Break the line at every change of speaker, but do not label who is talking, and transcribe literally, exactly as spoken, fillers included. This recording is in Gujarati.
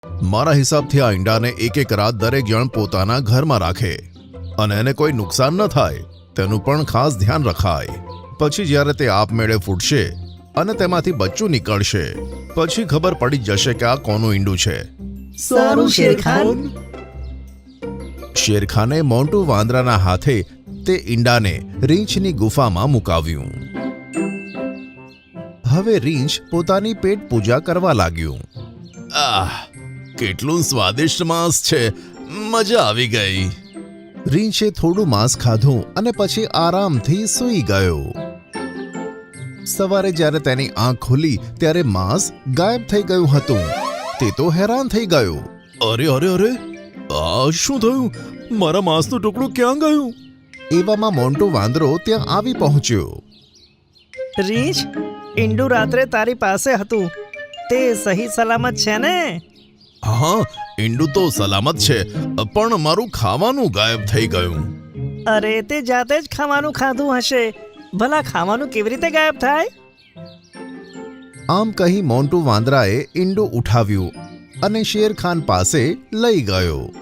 મારા હિસાબથી આ ઈંડાને એક એક રાત દરેક જણ પોતાના ઘરમાં રાખે અને એને કોઈ નુકસાન ન થાય તેનું પણ ખાસ ધ્યાન રખાય. પછી જ્યારે તે આપમેળે ફૂટશે અને તેમાંથી બચ્ચું નીકળશે પછી ખબર પડી જશે કે આ કોનું ઈંડું છે.
સારું શેરખાન.
શેરખાને મોન્ટુ વાંદરાના હાથે તે ઈંડાને રીંછની ગુફામાં મુકાવ્યું. હવે રીંછ પોતાની પેટ પૂજા કરવા લાગ્યું. આહ, કેટલું સ્વાદિષ્ટ માંસ છે, મજા આવી ગઈ. રીંછે થોડું માંસ ખાધું અને પછી આરામથી સૂઈ ગયો. સવારે જ્યારે તેની આંખ ખુલી ત્યારે માંસ ગાયબ થઈ ગયું હતું. તે તો હેરાન થઈ ગયો. અરે અરે અરે આ શું થયું? મારા માંસનું ટુકડું ક્યાં ગયું? એવામાં મોન્ટુ વાંદરો ત્યાં આવી પહોંચ્યો.
રીંછ, ઈંડું રાત્રે તારી પાસે હતું, તે સહી સલામત છે ને?
હા, ઈંડું તો સલામત છે, પણ મારું ખાવાનું ગાયબ થઈ ગયું.
અરે, તે જાતે જ ખાવાનું ખાધું હશે. ભલા ખાવાનું કેવી રીતે ગાયબ થાય?
આમ કહી મોન્ટુ વાંદરાએ ઈંડું ઉઠાવ્યું અને શેરખાન પાસે લઈ ગયો.